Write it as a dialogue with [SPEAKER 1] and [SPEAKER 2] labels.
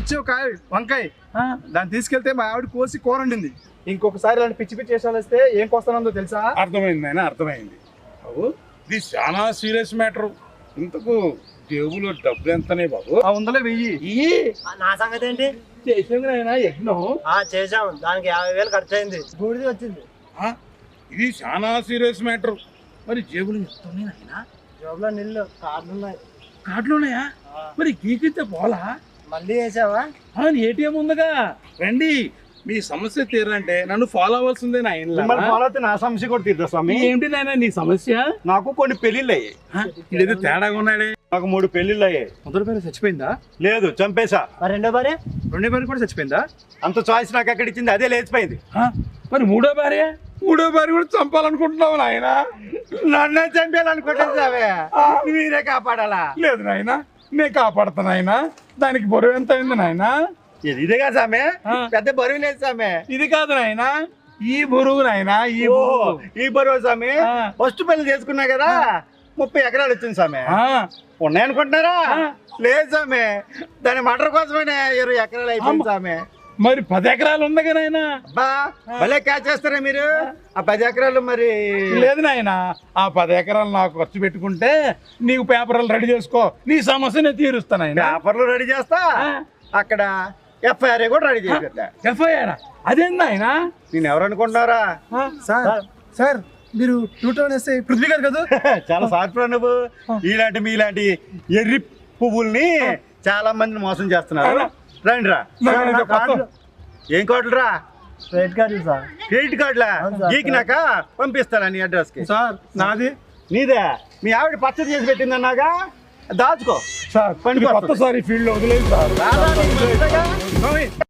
[SPEAKER 1] ఇచ్చే ఒక వంకాయ దాన్ని తీసుకెళ్తే మా ఆవిడ కోసి కూర వండింది. ఇంకొకసారి ఇలాంటి పిచ్చి పిచ్చి వేషాలు వస్తే ఏం కోస్తానందో తెలుసా?
[SPEAKER 2] అర్థమైంది ఆయన, అర్థమైంది. బాబు ఇది చాలా సీరియస్ మ్యాటర్. ఇంతకు జేబులో డబ్బులు ఎంతనే బాబు?
[SPEAKER 1] ఆ ఉందలే వెయ్యి.
[SPEAKER 3] నా సంగతి ఏంటి?
[SPEAKER 1] చేసాం యజ్ఞం.
[SPEAKER 3] చేసాము, దానికి 50,000 ఖర్చు అయింది, బూడిది వచ్చింది.
[SPEAKER 2] ఇది చాలా సీరియస్ మ్యాటర్. మరి జేబులు ఎంత ఉన్నాయి నాయనా?
[SPEAKER 3] జోబులో నీళ్ళు, కార్డులు ఉన్నాయి.
[SPEAKER 2] కార్డులు ఉన్నాయా? మరి గీకితే పోలా?
[SPEAKER 3] మళ్ళీ వేసావా?
[SPEAKER 2] ఏటీఎం ఉందిగా. రండి, మీ సమస్య తీరంటే నన్ను ఫాలో అవ్వాల్సిందే నాయన.
[SPEAKER 1] ఫాలో అయితే నా సమస్య కూడా తీరుతా స్వామి.
[SPEAKER 2] ఏంటి నాయన నీ సమస్య?
[SPEAKER 1] నాకు కొన్ని పెళ్లిళ్ళు అయ్యాయి.
[SPEAKER 2] ఇదేదో తేడాగా ఉన్నాడే.
[SPEAKER 1] నాకు 3 పెళ్లిళ్ళు అయ్యాయి.
[SPEAKER 4] మొదటి భార్య చచ్చిపోయిందా?
[SPEAKER 1] లేదు, చంపేశా.
[SPEAKER 3] మరి రెండో భార్య
[SPEAKER 4] కూడా చచ్చిపోయిందా?
[SPEAKER 1] అంత చాయిస్ నాకు ఎక్కడ ఇచ్చింది, అదే లేచిపోయింది.
[SPEAKER 2] మరి మూడో భార్య కూడా చంపాలనుకుంటున్నావు నాయన?
[SPEAKER 1] నన్నే చంపేయాలనుకుంటావే, మీరే కాపాడాలా?
[SPEAKER 2] లేదు నాయన, నేను కాపాడతాను ఆయన. దానికి బరువు ఎంత అయింది నాయన?
[SPEAKER 1] ఇదేగా సామె, పెద్ద బరువు లేదు సామె.
[SPEAKER 2] ఇది కాదు నాయన, ఈ బరువు నాయన.
[SPEAKER 1] ఈ బరువు సామె. ఫస్ట్ పెళ్లి చేసుకున్నా కదా, 30 ఎకరాలు వచ్చింది సామె. ఉన్నాయనుకుంటున్నారా? లేదు సామె, దాని మటర్ కోసమే 20 ఎకరాలు అయిపోయింది సామె.
[SPEAKER 2] మరి 10 ఎకరాలు ఉంది కదా నాయన?
[SPEAKER 1] బా భలే క్యాచ్ చేస్తారా మీరు. ఆ 10 ఎకరాలు మరి
[SPEAKER 2] లేదు నాయన, ఆ 10 ఎకరాలు నాకు ఖర్చు పెట్టుకుంటే నీకు పేపర్లు రెడీ చేసుకో, నీ సమస్య నేను తీరుస్తాను ఆయన.
[SPEAKER 1] పేపర్లు రెడీ చేస్తా, అక్కడ FIR కూడా రెడీ చేస్తా.
[SPEAKER 2] FIR అదేంది ఆయన?
[SPEAKER 1] నేను ఎవరు అనుకుంటున్నారా?
[SPEAKER 4] సార్ మీరు టూటోన్ వేస్తే పృథ్వీ గారు కదా?
[SPEAKER 1] చాలా సార్పురా నువ్వు. ఇలాంటి మీలాంటి ఎర్రి పువ్వుల్ని చాలా మందిని మోసం చేస్తున్నారు. రండి రా. ఏం కార్డులు రా?
[SPEAKER 3] Credit card sir.
[SPEAKER 1] క్రెడిట్ కార్డులా? గీకినాక పంపిస్తారా నీ అడ్రస్ కి?
[SPEAKER 4] సార్ నాది.
[SPEAKER 1] నీదే? మీ ఆవిడ పచ్చడి చేసి పెట్టిందన్నాగా, దాచుకో
[SPEAKER 2] సార్. కొత్తసారి ఫీల్డ్ లో వదిలేదు సార్.